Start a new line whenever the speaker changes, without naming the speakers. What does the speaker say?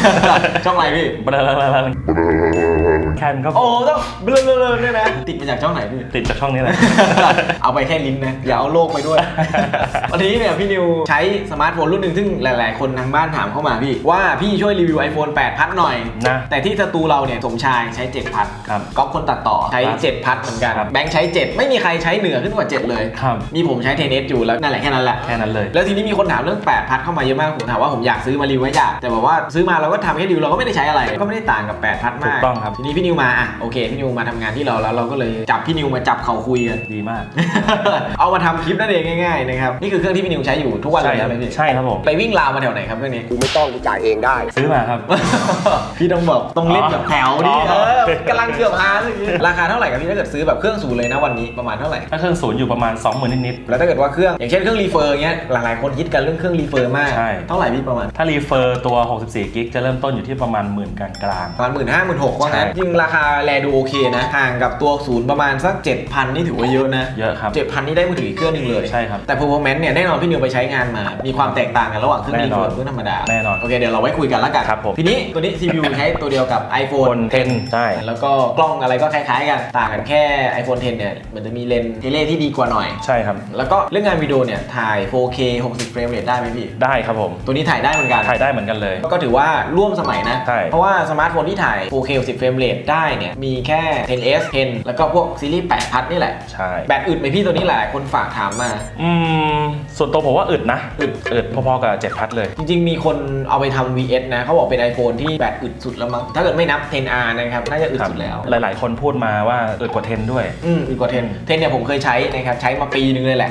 ช่องอะไรพี่
แคนก็
โอ้ต้องเบลอๆเนี่ยนะติดมาจากช่องไหนพี่
ติดจากช่องนี้แหละ
เอาไปแค่ลิ้นนะอย่าเอาโลกไปด้วย วันนี้เนี่ยพี่นิวใช้สมาร์ทโฟนรุ่นหนึ่งซึ่งหลายๆคนทางบ้านถามเข้ามาพี่ว่าพี่ช่วยรีวิว iPhone 8 พัดหน่อย
นะ
แต่ที่สตูเราเนี่ยสมชายใช้ 7 พัดก๊อฟคนตัดต่อใช้ 7 พัดเหมือนกันแบงค์ใช้ 7 ไม่มีใครใช้เหนือขึ้นกว่า 7 เลยมีผมใช้ 10S อยู่แล้วนั่นแหละแค่นั้นแหละ
เลย
แล้วทีนี้มีคนถามเรื่อง 8 พัดเข้ามาเยอะมากผมถามว่าผมอยากซื้อมารีวิวไว้อยากแต่บอกว่าซื้อมาเราก็ทำแค่รีวิวเราก็ไม่ได้ใช้อะไรก็ไม่ได้ต่างกับ 8 พัดมาก
ต้องครับ
ทีนี้พี่นิวมาอ่ะโอเคพี่นิวมาทำงานที่เราแล้วเราก็เลยจับพี่นิวมาจับเขาคุยกัน
ดีมาก
เอามาทำคลิปนั่นเองง่ายๆนะครับนี่คือเครื่องที่พี่นิวใช้อยู่ทุกวันเลยใช่ไหมพี่
ใช่ครับผม
ไปวิ่งราวมาแถวไหนครับเครื่องนี้
กูไม่ต้องกูจ่ายเองได้
ซื้อมาครับ
พี่ต้องบอกต้องเล่นแบบแถวดิกำลังเกือบฮาร์ดเลยราคาเท่าไหร่ครับพี่ถ้าเกิดซื้อแบบเครื่องศูนย์เลยนะวันนี้ประมาณเท่าไหร่
ถ้าเครื่องศูนย์อยู่ประมาณ 20,000 นิด
ๆแล้วถ้าเกิดว่าเครื่องอย่างเช่นเครื่องรีเฟอร์เงี้ยหลายๆคนฮิตกันเรื่องเครื่องรีเฟอร์มากเท่าไหร่พี่ประมาณ
ถ้ารีเฟอร์ตัว64 กิกจะเริ่มต้นอยู่ที่ประมาณ10,000 กลาง
ประมาณ15,000 16,000ว่างั้นจริงราคาแลดูโอเคนะห่างกับตัวศูนย์ประมาณสัก 7,000 นี่ถือว่าเยอะนะ
เยอะครับ
7,000 นี่ได้มือถืออีกเครื่องนึงเลย
ใช่ครับ
แต่ performance เนี่ยแน่นอนพี่นิวไปใช้งานมามีความแตกต่างกันระหว่างเครื่องรีเฟอร์เครื่องธรรมดา
แน่นอน
โอเคเดี๋ยวเราไว้คุยกันแล้วกันทีนี้ตัวนี้ CPU ใช้ตัวเดียวกับ iPhone
10ใช่
แล้วก็กล้องอะไรก็คล้ายๆกันต่างกันแค่ iPhone 10เนี่ยมันจะมีเลนส์เทเลที่ดีกว่าหน่อย
ใช่ครับ
แล้วก็เรื่องงานวิดีโอเนี่ยถ่าย 4K 60 เฟรมเรทได้ไหมพี่
ได้ครับผม
ตัวนี้ถ่ายได้เหมือนกัน
เลย
ก็ถือว่าร่วมสมัยนะ
ใช่
เพราะว่าสมาร์ทโฟนที่ถ่าย 4K 60 เฟรมเรทได้เนี่ยมีแค่ 10s 10แล้วก็พวกซีรีส์8 พัดนี่แหละ
ใช่
แบตอึดไหมพี่ตัวนี้หลายคนฝากถามมา
ส่วนตัวผมว่าอึดนะอึดพอๆกับ7 พัดเลย
จริงๆมีคนเอาไปทำ VS นะเขาบอกเป็น iPhone ที่แบตอึดสุดแล้วมั้งถ้าเกิดไม่นับ 10R นะครับน่าจะอึดสุดแล้ว
หลายๆคนพูดมาว่าอึดกว่า10ด้วย
อึดกว่า10เนี่ยผมเคยใช้นะครับใช้มาปีนึงเลยแหละ